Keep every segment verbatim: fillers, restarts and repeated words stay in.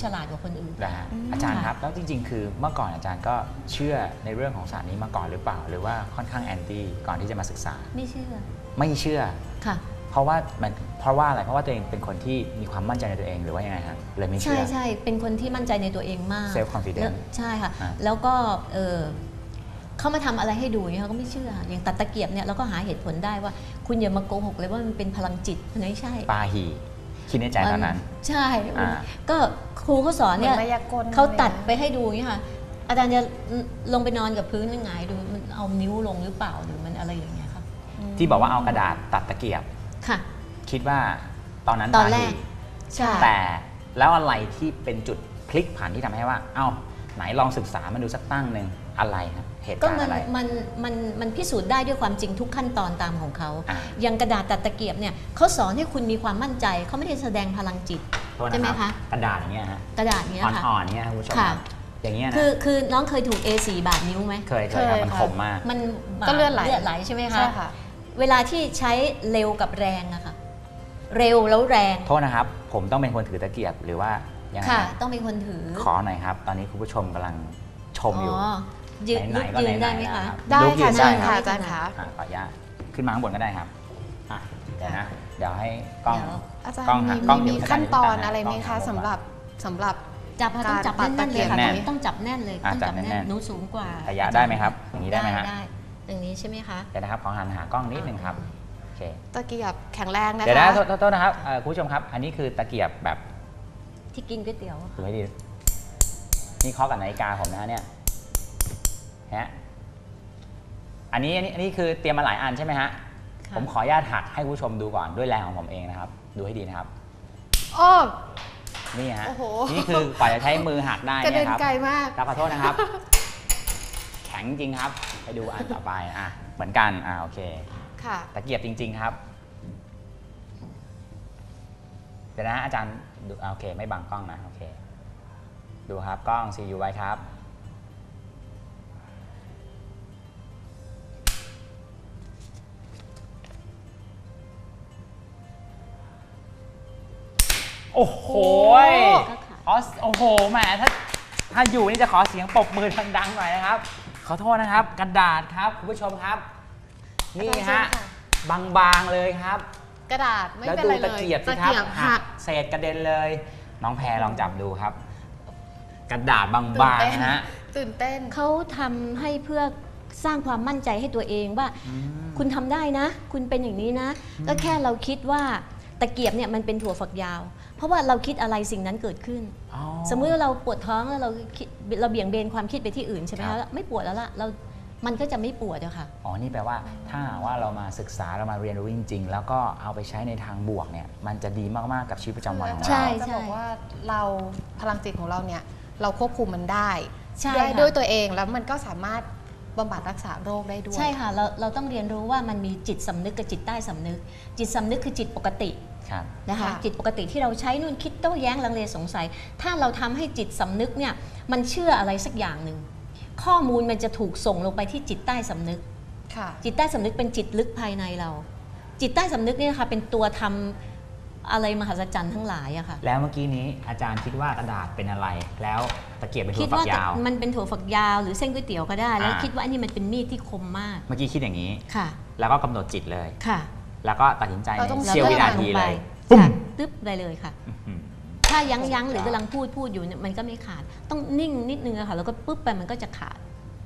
ฉลาดกว่าคนอื่นนะฮะอาจารย์ครับแล้วจริงๆคือเมื่อก่อนอาจารย์ก็เชื่อในเรื่องของศาสตร์นี้มาก่อนหรือเปล่าหรือว่าค่อนข้างแอนตี้ก่อนที่จะมาศึกษาไม่เชื่อไม่เชื่อค่ะเพราะว่ามันเพราะว่าอะไรเพราะว่าตัวเองเป็นคนที่มีความมั่นใจในตัวเองหรือว่ายังไงครับเลยไม่เชื่อใช่ใช่เป็นคนที่มั่นใจในตัวเองมากเซลฟ์คอนฟิเดนซ์ใช่ค่ะแล้วก็เออเขามาทำอะไรให้ดูเนี่ยเขาก็ไม่เชื่ออย่างตัดตะเกียบเนี่ยเราก็หาเหตุผลได้ว่าคุณอย่ามาโกหกเลยว่ามันเป็นพลังจิตมันไม่ใช่ปาหีคิดในใจตอนนั้นใช่ก็ครูเขาสอนเนี่ยเขาตัดไปให้ดูเนี่ยค่ะอาจารย์จะลงไปนอนกับพื้นยังไงดูมันเอานิ้วลงหรือเปล่าหรือมันอะไรอย่างเงี้ยค่ะที่บอกว่าเอากระดาษตัดตะเกียบค่ะคิดว่าตอนนั้นตอนแรกใช่แต่แล้วอะไรที่เป็นจุดพลิกผันที่ทำให้ว่าเอ้าไหนลองศึกษามาดูสักตั้งหนึ่งอะไรครับเหตุการณ์อะไรก็มันมันมันพิสูจน์ได้ด้วยความจริงทุกขั้นตอนตามของเขาอย่างกระดาษตัดตะเกียบเนี่ยเขาสอนให้คุณมีความมั่นใจเขาไม่ได้แสดงพลังจิตใช่ไหมคะกระดาษอย่างเงี้ยฮะกระดาษเนี้ยค่ะอ่อนๆเนี้ยคุณผู้ชมอย่างเงี้ยนะคือคือน้องเคยถูก เอ โฟร์ บาดนิ้วไหมเคยเคยครับมันคมมากมันก็เลือดไหลเลือดไหลใช่ไหมคะเวลาที่ใช้เร็วกับแรงอะค่ะเร็วแล้วแรงโทษนะครับผมต้องเป็นคนถือตะเกียบหรือว่ายังไงค่ะต้องเป็นคนถือขอหน่อยครับตอนนี้คุณผู้ชมกำลังชมอยู่ยืนยืนได้ไหมคะได้ค่ะได้ค่ะอาจารย์คะขออนุญาตขึ้นมาข้างบนก็ได้ครับเดี๋ยวนะเดี๋ยวให้กล้องอาจารย์มีขั้นตอนอะไรไหมคะสำหรับสำหรับจับต้องจับแน่นๆเลยค่ะต้องจับแน่นเลยต้องจับแน่นหนูสูงกว่าระยะได้ไหมครับอย่างนี้ได้ไหมฮะได้อย่างนี้ใช่ไหมคะเดี๋ยวนะครับขอหันหากล้องนิดนึงครับโอเคตะเกียบแข็งแรงนะคะเดี๋ยวนะโทษนะครับคุณผู้ชมครับอันนี้คือตะเกียบแบบที่กินก๋วยเตี๋ยวดูให้ดีนี่เคาะกับนาฬิกาผมนะเนี่ยฮะอันนี้อันนี้อันนี้คือเตรียมมาหลายอันใช่ไหมฮะผมขออนุญาตหักให้ผู้ชมดูก่อนด้วยแรงของผมเองนะครับดูให้ดีนะครับโอ้นี่ฮะนี่คือกว่าจะใช้มือหักได้เนี่ยครับไกลมากขอโทษนะครับแข็งจริงครับไปดูอันต่อไปอ่ะเหมือนกันอ่าโอเคค่ะตะเกียบจริงๆครับเดี๋ยวนะอาจารย์ดูโอเคไม่บังกล้องนะโอเคดูครับกล้องซียูไว้ครับโอ้โหอ๋อโอ้โหแหมถ้าถ้าอยู่นี่จะขอเสียงปรบมือดังๆหน่อยนะครับขอโทษนะครับกระดาษครับคุณผู้ชมครับนี่ฮะบางๆเลยครับกระดาษไม่เป็นไรเลยแล้วดูตะเกียบสิครับหักเศษกระเด็นเลยน้องแพรลองจับดูครับกระดาษบางๆนะฮะตื่นเต้นเขาทำให้เพื่อสร้างความมั่นใจให้ตัวเองว่าคุณทำได้นะคุณเป็นอย่างนี้นะก็แค่เราคิดว่าตะเกียบเนี่ยมันเป็นถั่วฝักยาวเพราะว่าเราคิดอะไรสิ่งนั้นเกิดขึ้นสมมติว่าเราปวดท้องแล้วเราเราเบี่ยงเบนความคิดไปที่อื่นใช่ไหมคะไม่ปวดแล้วล่ะเรามันก็จะไม่ปวดอะค่ะอ๋อนี่แปลว่าถ้าว่าเรามาศึกษาเรามาเรียนรู้จริงๆแล้วก็เอาไปใช้ในทางบวกเนี่ยมันจะดีมากๆกับชีวิตประจำวันของเราใช่จะบอกว่าเราพลังจิตของเราเนี่ยเราควบคุมมันได้ได้ด้วยตัวเองแล้วมันก็สามารถบำบัดรักษาโรคได้ด้วยใช่ค่ะเราเราต้องเรียนรู้ว่ามันมีจิตสำนึกกับจิตใต้สำนึกจิตสำนึกคือจิตปกตินะคะจิตปกติที่เราใช้นู่นคิดโต้แย้งลังเลสงสัยถ้าเราทำให้จิตสำนึกเนี่ยมันเชื่ออะไรสักอย่างหนึ่งข้อมูลมันจะถูกส่งลงไปที่จิตใต้สำนึกจิตใต้สำนึกเป็นจิตลึกภายในเราจิตใต้สำนึกเนี่ยค่ะเป็นตัวทำอะไรมหัศจรรย์ทั้งหลายอะค่ะแล้วเมื่อกี้นี้อาจารย์คิดว่ากระดาษเป็นอะไรแล้วตะเกียบเป็นถั่วฝักยาวมันเป็นถั่วฝักยาวหรือเส้นก๋วยเตี๋ยวก็ได้แล้วคิดว่าอันนี้มันเป็นมีดที่คมมากเมื่อกี้คิดอย่างนี้ค่ะแล้วก็กำหนดจิตเลยค่ะแล้วก็ตัดสินใจในเสี้ยววินาทีเลยปุ๊บตึ๊บไปเลยค่ะถ้ายั้งยั้งหรือกำลังพูดพูดอยู่เนี่ยมันก็ไม่ขาดต้องนิ่งนิดนึงอะค่ะแล้วก็ปุ๊บไปมันก็จะขาด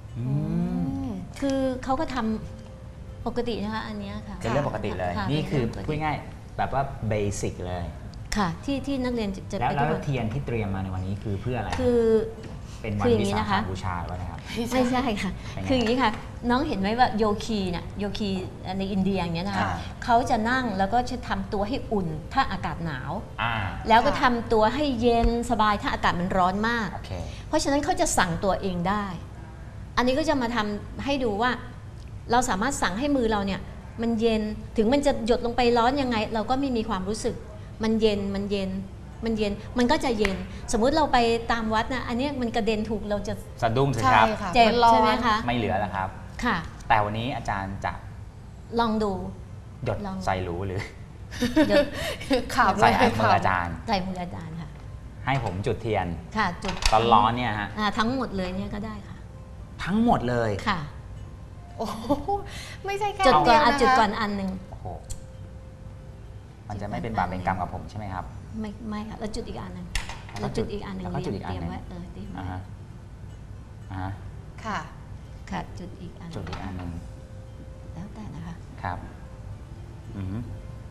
คือเขาก็ทำปกตินะคะอันนี้ค่ะเป็นเรื่องปกติเลยนี่คือพูดง่ายแบบว่าเบสิกเลยค่ะที่ที่นักเรียนจะแล้วแล้วเทียนที่เตรียมมาในวันนี้คือเพื่ออะไรคือเป็นวันวิสาขบูชาหรือเปล่าครับไม่ใช่ค่ะคืออย่างนี้ค่ะน้องเห็นไหมว่าโยคีเนี่ยโยคีในอินเดียอย่างเงี้ยนะคะเขาจะนั่งแล้วก็จะทำตัวให้อุ่นถ้าอากาศหนาวแล้วก็ทำตัวให้เย็นสบายถ้าอากาศมันร้อนมากเพราะฉะนั้นเขาจะสั่งตัวเองได้อันนี้ก็จะมาทำให้ดูว่าเราสามารถสั่งให้มือเราเนี่ยมันเย็นถึงมันจะหยดลงไปร้อนยังไงเราก็ไม่มีความรู้สึกมันเย็นมันเย็นมันเย็นมันก็จะเย็นสมมุติเราไปตามวัดนะอันนี้มันกระเด็นถูกเราจะสะดุ้งสิครับเจ็บใช่ไหมคะไม่เหลือแล้วครับค่ะแต่วันนี้อาจารย์จะลองดูหยดใส่หรูหรือข่าวใส่มืออาจารย์ใส่มืออาจารย์ค่ะใให้ผมจุดเทียนค่ะจุดตอนร้อนเนี่ยฮะอ่าทั้งหมดเลยเนี่ยก็ได้ค่ะทั้งหมดเลยค่ะโอ้โหไม่ใช่แค่จุดก่อนเดียวอ่ะนะคะจุดก่อนอันหนึ่งโอ้โหมันจะไม่เป็นบาปเป็นกรรมกับผมใช่ไหมครับไม่ไม่ค่ะแล้วจุดอีกอันหนึ่งแล้แล้ว วจุจุดดอีกอันหนึ่งแล้วก็จุดอีกอันเตรียมหนึ่งไว้เออเตรียมอ่าไว้ฮะอ่าฮะค่ะค่ะจุดอีกอันจุดอีกอันหนึ่งแล้วแต่นะคะครับอือฮึ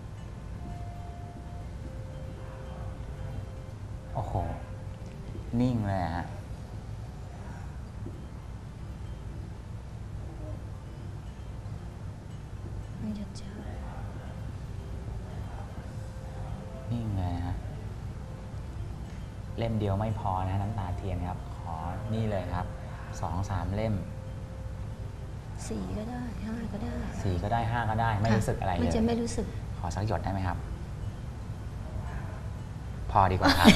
โอ้โหนิ่งเลยฮะมันหยุดช้านิ่งเลยฮะเล่มเดียวไม่พอนะน้ำตาเทียนครับ ขอนี่เลยครับสองสามเล่มสี่ก็ได้ห้าก็ได้สี่ก็ได้ห้าก็ได้ไม่รู้สึกอะไรเลยมันจะไม่รู้สึกขอสักหยดได้ไหมครับ พอดีกว่าครับ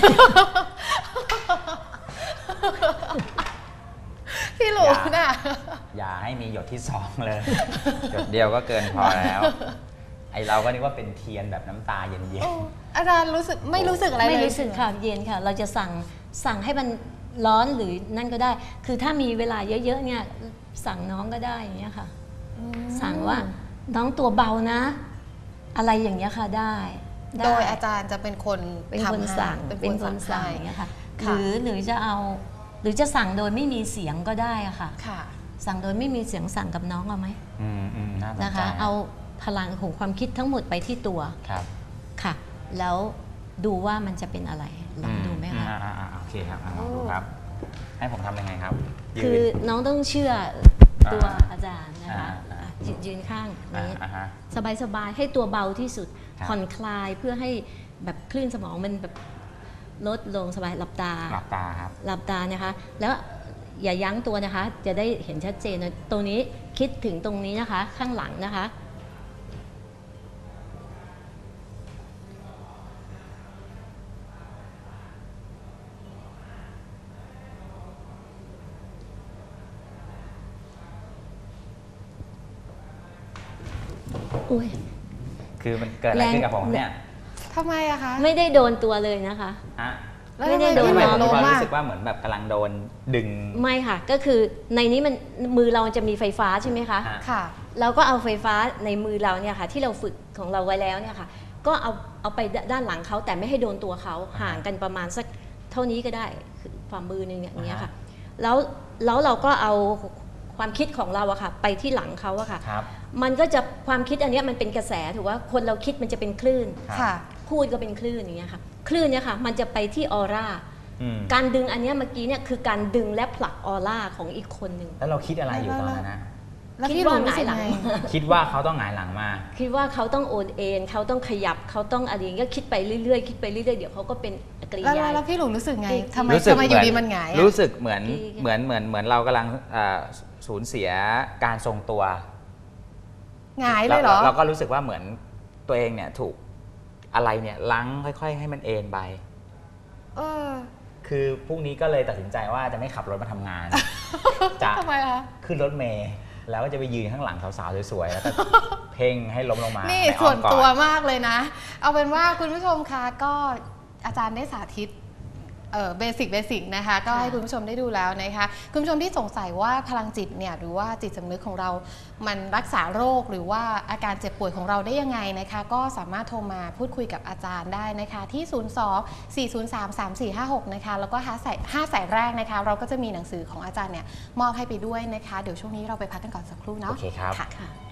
พี่หลูน่ะอย่าให้มีหยดที่สองเลย หยดเดียวก็เกินพอแล้ว ไอเราก็นึกว่าเป็นเทียนแบบน้ำตาเย็นโอ้อาจารย์รู้สึกไม่รู้สึกอะไรเลยไม่รู้สึกค่ะเย็นค่ะ เราจะสั่งสั่งให้มันร้อนหรือนั่นก็ได้ คือถ้ามีเวลาเยอะๆเนี่ยสั่งน้องก็ได้อย่างเงี้ยค่ะอืมสั่งว่าน้องตัวเบานะ อะไรอย่างเงี้ยค่ะได้ได้โดยอาจารย์จะเป็นคนเป็นคนทำให้สั่งเป็นเป็นคคน นสั่สั่งงให้อย่างเงี้ยค่ะหค่ะรือหรือจะเอาหรือจะสั่งโดยไม่มีเสียงก็ได้อะค่ะค่ะสั่งโดยไม่มีเสียงสั่งกับน้องเอาไหมๆอืมอืมน่าสนใจนะคะ เอาพลังของความคิดทั้งหมดไปที่ตัวครับค่ะ แล้วดูว่ามันจะเป็นอะไรลองดูไหมคะอ่าอ่าอ่าโอเคครับอ่ะลองดูครับ ให้ผมทำยังไงครับยืนคือน้องต้องเชื่อตัวอาจารย์นะคะอ่าอ่าอ่ะยืนยืนข้างอ่านี้อ่าฮะสบายๆให้ตัวเบาที่สุดครับผ่อนคลายเพื่อให้แบบคลื่นสมองมันแบบลดลงสบายหลับตาหลับตาครับหลับตานะคะ แล้วอย่ายั้งตัวนะคะ จะได้เห็นชัดเจนนะตรงนี้คิดถึงตรงนี้นะคะ ข้างหลังนะคะ อุ้ยคือมันเกิดอะไรขึ้นกับผมเนี่ยทำไมอะคะไม่ได้โดนตัวเลยนะคะฮะแล้วไม่ทำได้ไมโดนพี่ทำหไมลูผมมีความลงอ่ะรู้สึกว่าเหมือนแบบกำลังโดนดึงไม่ค่ะ ก็คือในนี้มันมือเราจะมีไฟฟ้าใช่ไหมคะฮะค่ะเราก็เอาไฟฟ้าในมือเราเนี่ยค่ะ ที่เราฝึกของเราไว้แล้วเนี่ยค่ะ ก็เอาเอาไปด้านหลังเขาแต่ไม่ให้โดนตัวเขาห่างกันประมาณสักเท่านี้ก็ได้คือฝ่ามือหนึงอย่างเงี้ยค่ะ แล้วแล้วเราก็เอาความคิดของเราอะค่ะ ไปที่หลังเขาอะค่ะครับมันก็จะความคิดอันเนี้ยมันเป็นกระแสถือว่าคนเราคิดมันจะเป็นคลื่นครับค่ะพูดก็เป็นคลื่นอย่างเงี้ยค่ะ คลื่นเนี่ยค่ะ มันจะไปที่ออร่าอืมการดึงอันเนี้ยเมื่อกี้เนี่ยคือการดึงและผลักออร่าของอีกคนหนึ่งแล้วเราคิดอะไรอยู่ตอนนั้นนะแล้วคิดพี่หลูว่ารู้สึกหงายหลังไงคิดว่าเขาต้องหงายหลังมาคิดว่าเขาต้องโอนเอ็นเขาต้องขยับเขาต้องอะไรอย่างเงี้ยคิดไปเรื่อยๆคิดไปเรื่อยๆเดี๋ยวเขาก็เป็นกริแล้วยาแล้วพี่หลูรู้สึกไงจริงทำไมรู้สึกทำไมอยู่ดีมันหงายอะรู้สึกเหมือนจริงเหมือนเหมือนเหมือนเรากำลังเอ่อสูญเสียการทรงตัวหงายเลยเหรอาเราก็รู้สึกว่าเหมือนตัวเองเนี่ยถูกอะไรเนี่ยลังค่อย ๆ ให้มันเอ็นไปเออคือพรุ่งนี้ก็เลยตัดสินใจว่าจะไม่ขับรถมาทำงาน จะทำไมคะขึ้นรถเมล์แล้วก็จะไปยืนข้างหลังสาวๆสวยๆแล้วก็ เพ่งให้ล้มลงมานี่ในอ้ส่อวมนกอดตัวมากเลยนะ เอาเป็นว่าคุณผู้ชมคะก็อาจารย์ได้สาธิตเบสิกเบสิกนะคะ ก็ให้คุณผู้ชมได้ดูแล้วนะคะ คุณผู้ชมที่สงสัยว่าพลังจิตเนี่ยหรือว่าจิตสำนึกของเรา มันรักษาโรคหรือว่าอาการเจ็บป่วยของเราได้ยังไงนะคะ ก็สามารถโทรมาพูดคุยกับอาจารย์ได้นะคะ ที่ ศูนย์ สอง สี่ ศูนย์ สาม สาม สี่ ห้า หก นะคะ แล้วก็ห้าสายห้าสายแรกนะคะ เราก็จะมีหนังสือของอาจารย์เนี่ยมอบให้ไปด้วยนะคะ เดี๋ยวช่วงนี้เราไปพักกันก่อนสักครู่เนาะโอเคครับค่ะค่ะ